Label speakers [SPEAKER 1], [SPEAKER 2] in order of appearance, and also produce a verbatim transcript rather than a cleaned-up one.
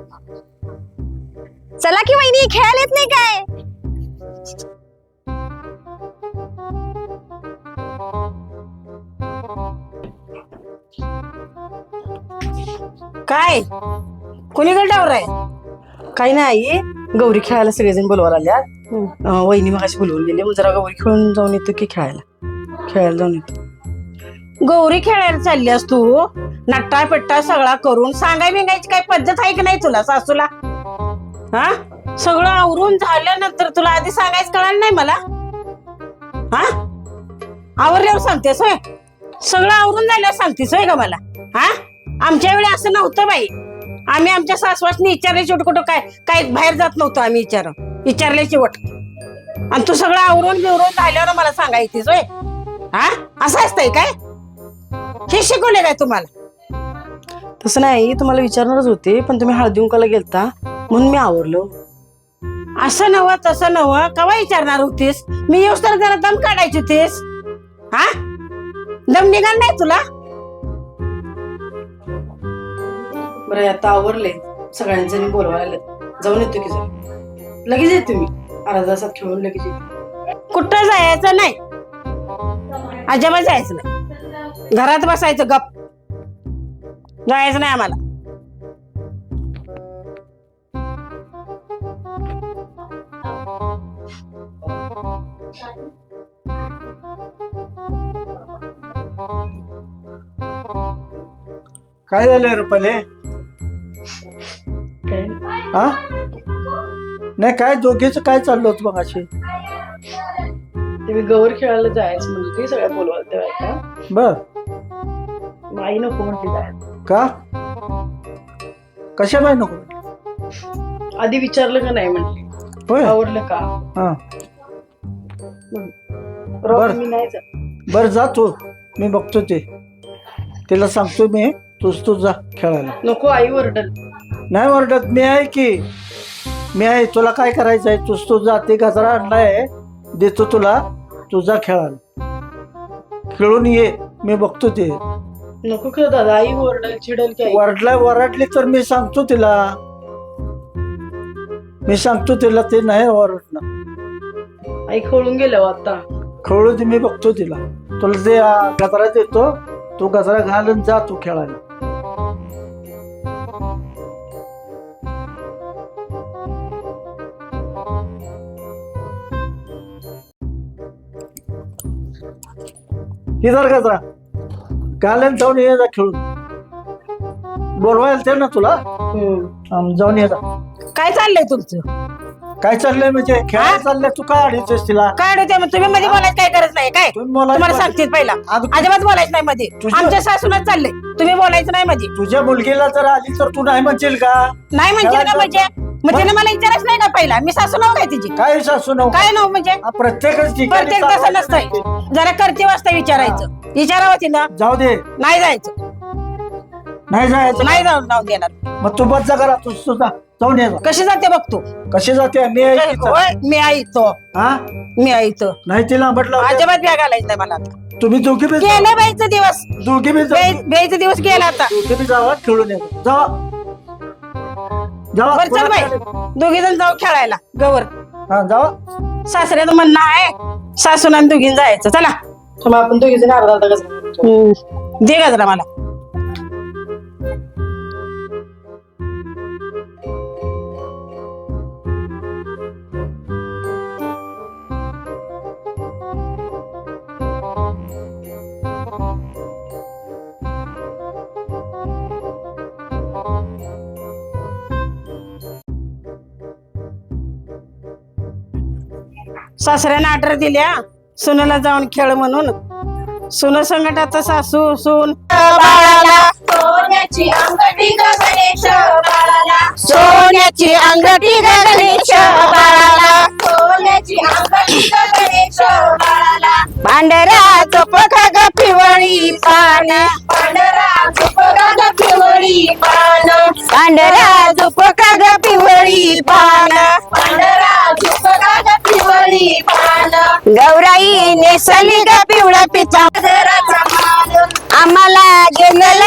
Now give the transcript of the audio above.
[SPEAKER 1] चला की वहिनी, खेळायला येत नाही काय?
[SPEAKER 2] काय कोणीकडे डावर आहे?
[SPEAKER 3] काही नाही, गौरी खेळायला सगळेजण बोलवायला आल्यात. वहिनी मगाशी बोलवून गेले, मग जरा गौरी खेळून जाऊन येतो की खेळायला खेळायला जाऊन येतो.
[SPEAKER 2] गौरी खेळायला चाललीस तू? नट्टा पिट्टा सगळा करून सांगाय बिंगायची काय पद्धत आहे की नाही तुला सासूला? हा, सगळं आवरून झाल्यानंतर तुला आधी सांगायचं कळालं नाही मला? हा, आवरल्यावर सांगतेस होय? सगळं आवरून झाल्यावर सांगतेस होय का मला? हा, आमच्या वेळी असं नव्हतं बाई. आम्ही आमच्या सासवासनी विचारले शेवट कुठं काय काय बाहेर जात नव्हतो आम्ही विचार विचारले शेवट. आणि तू सगळं आवरून बिवरून झाल्यावर मला सांगायचीस होय? हा, असं असतंय काय? हे शिकवले काय तुम्हाला?
[SPEAKER 3] तसं नाही, तुम्हाला विचारणारच होते, पण तुम्ही हळदी कुंकाला गेलता म्हणून मी आवरलो.
[SPEAKER 2] असं नव्ह तसं नव्ह, कवा विचारणार होतीस? मी येऊस तर जरा दम काढायची होतीस. हा, दम निघाल नाही तुला?
[SPEAKER 3] बरं आता आवरले, सगळ्यांचे मी बोलवायला आले, जाऊन येतो की जरा. लगेच येते मी, अर्धा तासात खेळून लगेच येते.
[SPEAKER 2] कुठं जायचं नाही, अजिबात जायचं नाही. घरात बसायचं गप, जायचं नाही आम्हाला.
[SPEAKER 4] काय झालंय रुपाले? हा, नाही काय दोघेच काय चाललं होतं मग अशी?
[SPEAKER 3] ते मी गौरी खेळायला जायचं म्हणजे ते सगळ्या बोलवायला तेव्हा का
[SPEAKER 4] बर,
[SPEAKER 3] आई नको म्हणते जायचं.
[SPEAKER 4] का कशा बाय नको?
[SPEAKER 3] आधी विचारलं का नाही म्हणले,
[SPEAKER 4] होय,
[SPEAKER 3] आवडलं का?
[SPEAKER 4] हा
[SPEAKER 3] राहू
[SPEAKER 4] बर.
[SPEAKER 3] दे, मी नाही जात.
[SPEAKER 4] बर जा तू, मी बघतो ते, तिला सांगतो मी, तूच तू जा खेळायला.
[SPEAKER 3] नको, आई ओरडल.
[SPEAKER 4] नाही ओरडत, मी आहे की, मी आहे. तुला काय करायचं आहे? तूच तू जा, ते गजरा आणलाय देतो तुला, तू जा खेळायला, खेळून ये, मी बघतो ते.
[SPEAKER 3] नको खरं दादा, आई ओरडल चिडल की. आई
[SPEAKER 4] वरडला वरडली तर मी सांगतो तिला, मी सांगतो तिला, ते नाही ओरडणार.
[SPEAKER 3] आई खोळून गेल्या आता.
[SPEAKER 4] खवळू दे, मी बघतो तिला. तुला ते आ, गजरा देतो, तू गजरा घालून जा तू खेळायला. इधर गजरा घालून जाऊन ये जा खेळून. बोलवायला ते ना तुला, आम, जाऊन ये जा.
[SPEAKER 2] काय चाललंय तुमचं?
[SPEAKER 4] काय चाललंय म्हणजे खेळायला चाललंय? तू काय अडीचस तिला?
[SPEAKER 2] काय होते मग तुम्ही मध्ये बोलायचं काय गरज नाही काय?
[SPEAKER 4] तुम्ही बोलायचं
[SPEAKER 2] तुम्हाला सांगते पहिला,
[SPEAKER 4] अगं-
[SPEAKER 2] अजिबात बोलायचं नाही मध्ये.
[SPEAKER 4] तुझ्या-
[SPEAKER 2] आमच्या सासूनच चाललंय, तुम्ही बोलायचं नाही मध्ये.
[SPEAKER 4] तुझ्या मुलगीला जर आली तर तू नाही म्हणशील का?
[SPEAKER 2] नाही म्हणजे का म्हणजे मग तिने मला विचारच नाही का पहिला? मी सासू नाव काय तिची?
[SPEAKER 4] काय सासू नव
[SPEAKER 2] काय नाव म्हणजे?
[SPEAKER 4] प्रत्येकच ठिकाणी
[SPEAKER 2] प्रत्येक तसं नसतंय, जरा करते वाजता विचारायचं. विचारावं तिनं.
[SPEAKER 4] जाऊ दे,
[SPEAKER 2] नाही जायचं,
[SPEAKER 4] नाही जायचं.
[SPEAKER 2] नाही जाऊन जाऊन देणार.
[SPEAKER 4] मग तू बस जा करा, तू तुझा जाऊन ये जा.
[SPEAKER 2] कशी जाते बघतो.
[SPEAKER 4] कशी जाते? मी आहे इथं.
[SPEAKER 2] होय, मी ऐकतो,
[SPEAKER 4] हा,
[SPEAKER 2] मी ऐकतो.
[SPEAKER 4] नाही तिला म्हटलं
[SPEAKER 2] अजिबात ब्या घालायचं नाही मला आता.
[SPEAKER 4] तुम्ही दोघी बी जा.
[SPEAKER 2] गेले बाईचा दिवस,
[SPEAKER 4] दोघी बी जा.
[SPEAKER 2] बाई- बाईचा दिवस गेला आता.
[SPEAKER 4] दोघी बी जावा, खेळून ये जावा, जावा.
[SPEAKER 2] बर चल बाई, दोघी जण जाऊ खेळायला गवर.
[SPEAKER 4] हा जावा.
[SPEAKER 2] सासऱ्याचं म्हणणं आहे सासून आणि दोघीन जायचं. चला
[SPEAKER 3] मग आपण दोघी जण अर्धा अर्धा गजरा.
[SPEAKER 2] दे गजरा मला. सासऱ्याने ऑर्डर दिल्या सुनेला जाऊन खेळ म्हणून. सुन संकटाचं सासू सून बाळाला
[SPEAKER 1] सोन्याची अंगठी ग गणेश बाळाला,
[SPEAKER 2] सोन्याची अंगठी ग गणेश बाळाला,
[SPEAKER 1] सोन्याची अंगठी ग गणेश बाळाला,
[SPEAKER 2] पांढऱ्या चोपखा ग पिवळी पान,
[SPEAKER 1] पांढरा झुपका ग पिवळी पान,
[SPEAKER 2] पांढऱ्या चोपखा ग पिवळी पान,
[SPEAKER 1] पांढरा झुपका ग पिवळी पान,
[SPEAKER 2] गौराई नेसली ग पिवळा पिता
[SPEAKER 1] गजराचा मान,
[SPEAKER 2] आम्हाला गेलेला